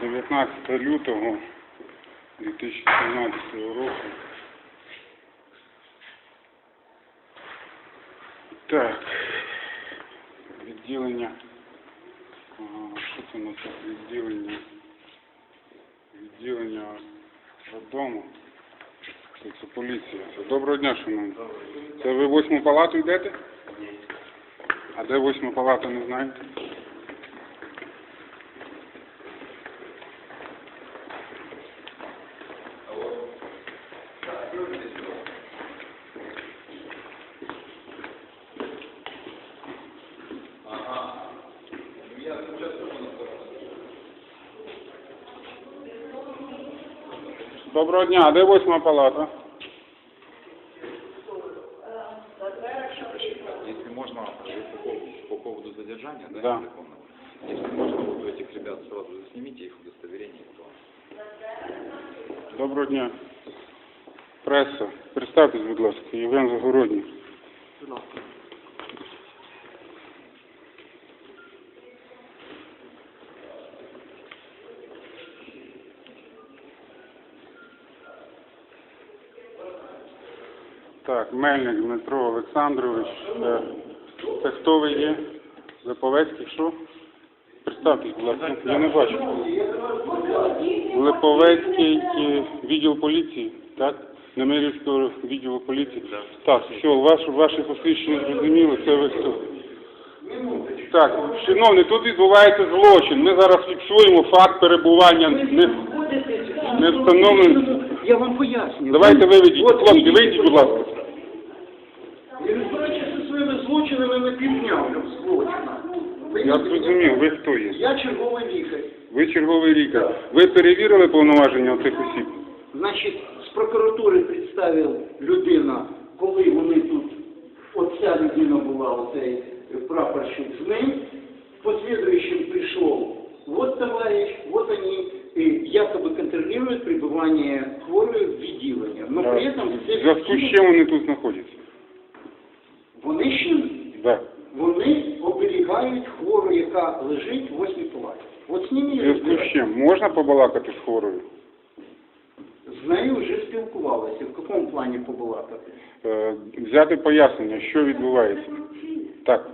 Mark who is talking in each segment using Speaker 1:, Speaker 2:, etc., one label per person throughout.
Speaker 1: 19 лютого 2017 року. Так, відділення, що це у нас тут відділення роддому, це поліція. Доброго дня, шановні. Це ви 8-му палату йдете? А де 8-ма палата, не знаєте? Доброго дня, а де 8-ма палата?
Speaker 2: Если можно, по поводу задержания, да,
Speaker 1: Да.
Speaker 2: незаконного, если можно, вот у этих ребят сразу заснимите их удостоверение.
Speaker 1: Доброго дня. Преса. Представтесь, будь ласка, Євген Загородній. Так, Мельник Дмитро Олександрович. Це хто ви є? Липовецький, що? Представтесь, будь ласка, я не бачу. Липовецький відділ поліції, так? Немирівського відділу поліції. Так, все, ваше посвідчення зрозуміло, це ви хто? Так, шановні, тут відбувається злочин. Ми зараз фіксуємо факт перебування не встановлений.
Speaker 3: Я вам поясню.
Speaker 1: Давайте виведіть. Хлопці, вийдіть, будь ласка.
Speaker 3: Я розбираюся зі своїми злочинами на півдня злочина.
Speaker 1: Я зрозумів, ви хто є?
Speaker 3: Я черговий лікар.
Speaker 1: Ви черговий лікар. Ви перевірили повноваження цих осіб?
Speaker 3: Значить, з прокуратури представив людина, коли вони тут, оця людина була, оцей прапорщик з ним, послідуючим прийшов, вот товарищ, вот они, якобы контролируют пребывание хворої в відділенні. Но при этом
Speaker 1: В зв'язку з чим вони тут знаходяться?
Speaker 3: вони ще
Speaker 1: Да.
Speaker 3: вони оберігають хвору, яка лежить в 8-й палаті. От з ними
Speaker 1: В
Speaker 3: я
Speaker 1: зв'язку з
Speaker 3: розбираюся.
Speaker 1: чим? Можна побалакати з хворою?
Speaker 3: З нею вже спілкувалися. В якому плані побалакати?
Speaker 1: Взяти пояснення, що відбувається. Так.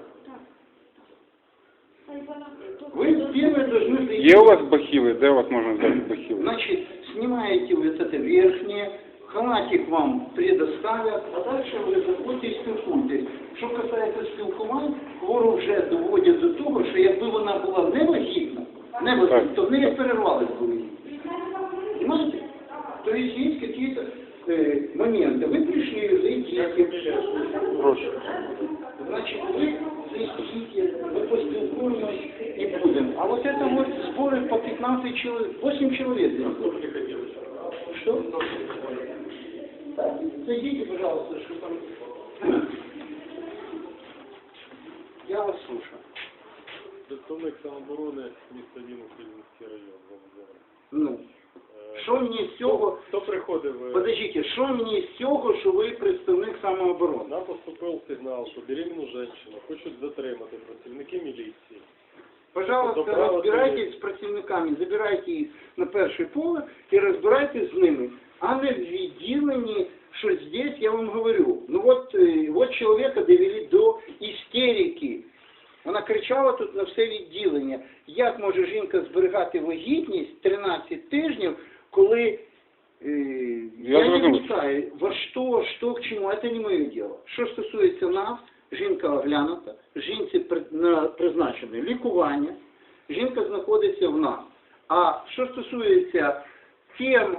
Speaker 3: Ви первые должны зайти.
Speaker 1: Є у вас бахіли? Де у вас можна взяти бахіли?
Speaker 3: Значит, снимаете вот это верхнее, халатик вам предоставят, а дальше ви заходите і спілкуєтесь. Що касається спілкувань, хвору вже доводять до того, що якби вона була невагітна, то в неї перервались були. Понимаете? То есть есть какие-то моменты. Вы пришли, зайдите.
Speaker 1: Прошу.
Speaker 3: Значит, вы зайдите, мы поспілкуємось і будем. А вот это вот споры по 15 человек, 8 человек. Что? Так, зайдите, пожалуйста, что там. Я вас слушаю.
Speaker 4: Представник самооборони міста Вінницький район.
Speaker 3: Ну, що мені з цього...
Speaker 4: Хто приходив?
Speaker 3: Подождите, що мені з цього, що ви представник самооборони?
Speaker 4: Нам поступив сигнал, що беременну жінку хочуть затримати працівники міліції.
Speaker 3: Пожалуйста, разбирайтесь с противниками, забирайте их на перший поверх и разбирайтесь с ними. А не в відділенні, что здесь, я вам говорю, ну вот человека довели до истерики. Вона кричала тут на все відділення. Як може жінка зберігати вагітність 13 тижнів, коли, я не питаю, во что, к чему, это не моє діло. Що стосується нас, жінка оглянута, жінці призначене лікування, жінка знаходиться в нас. А що стосується тем,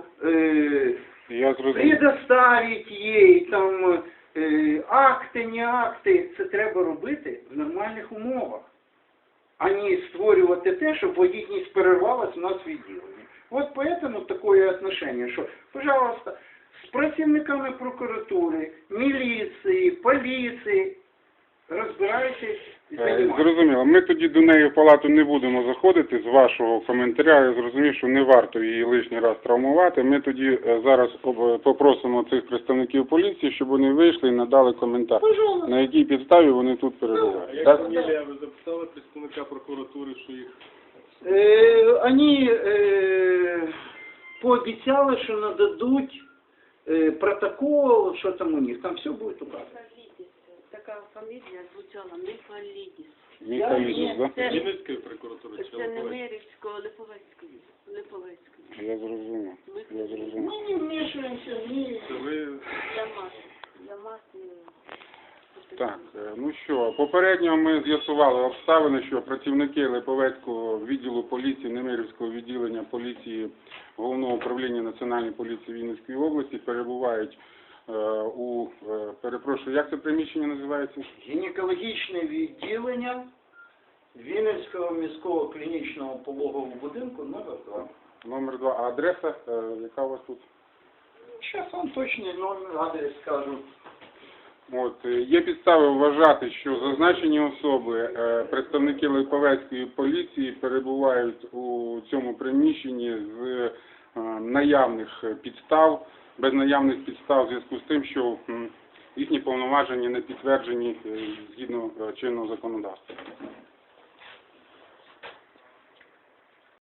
Speaker 3: предоставить їй там акти, не акти, це треба робити в нормальних умовах, а не створювати те, щоб вагітність перервалась у нас в відділенні. Вот поэтому такое отношение, что, пожалуйста, с працівниками прокуратури, міліції, поліції, розбирайтесь і займайтесь.
Speaker 1: Зрозуміло. Ми тоді до неї в палату не будемо заходити з вашого коментаря. Я зрозумів, що не варто її лишній раз травмувати. Ми тоді зараз попросимо цих представників поліції, щоб вони вийшли і надали коментар. На якій підставі вони тут перебувають.
Speaker 4: Як
Speaker 1: Так?
Speaker 4: фамілія, ви записали представника прокуратури, що їх
Speaker 3: вони пообіцяли, що нададуть протокол, що там у них, там все буде указано.
Speaker 5: Така фамілія звучала Міфалідіс.
Speaker 1: Міхалідіс, да?
Speaker 5: Це,
Speaker 4: Вінницької прокуратури чи
Speaker 5: це не
Speaker 4: Липовецької?
Speaker 5: Мирівського, Липовецької. Липовецької.
Speaker 1: Я зрозумів. Я зрозумів.
Speaker 3: Ми не вмішуємося, ні.
Speaker 4: Це ви
Speaker 5: Я мас не...
Speaker 1: Так, ну що, попередньо ми з'ясували обставини, що працівники Липовецького відділу поліції, Немирівського відділення поліції Головного управління Національної поліції Вінницької області перебувають перепрошую, як це приміщення називається?
Speaker 3: Гінекологічне відділення Вінницького міського клінічного пологового будинку номер 2.
Speaker 1: Номер 2. А адреса, яка у вас тут?
Speaker 3: Зараз вам точний номер, адрес скажу.
Speaker 1: От, є підстави вважати, що зазначені особи, представники Липовецької поліції, перебувають у цьому приміщенні з наявних підстав, без наявних підстав в зв'язку з тим, що їхні повноваження не підтверджені згідно чинного законодавства.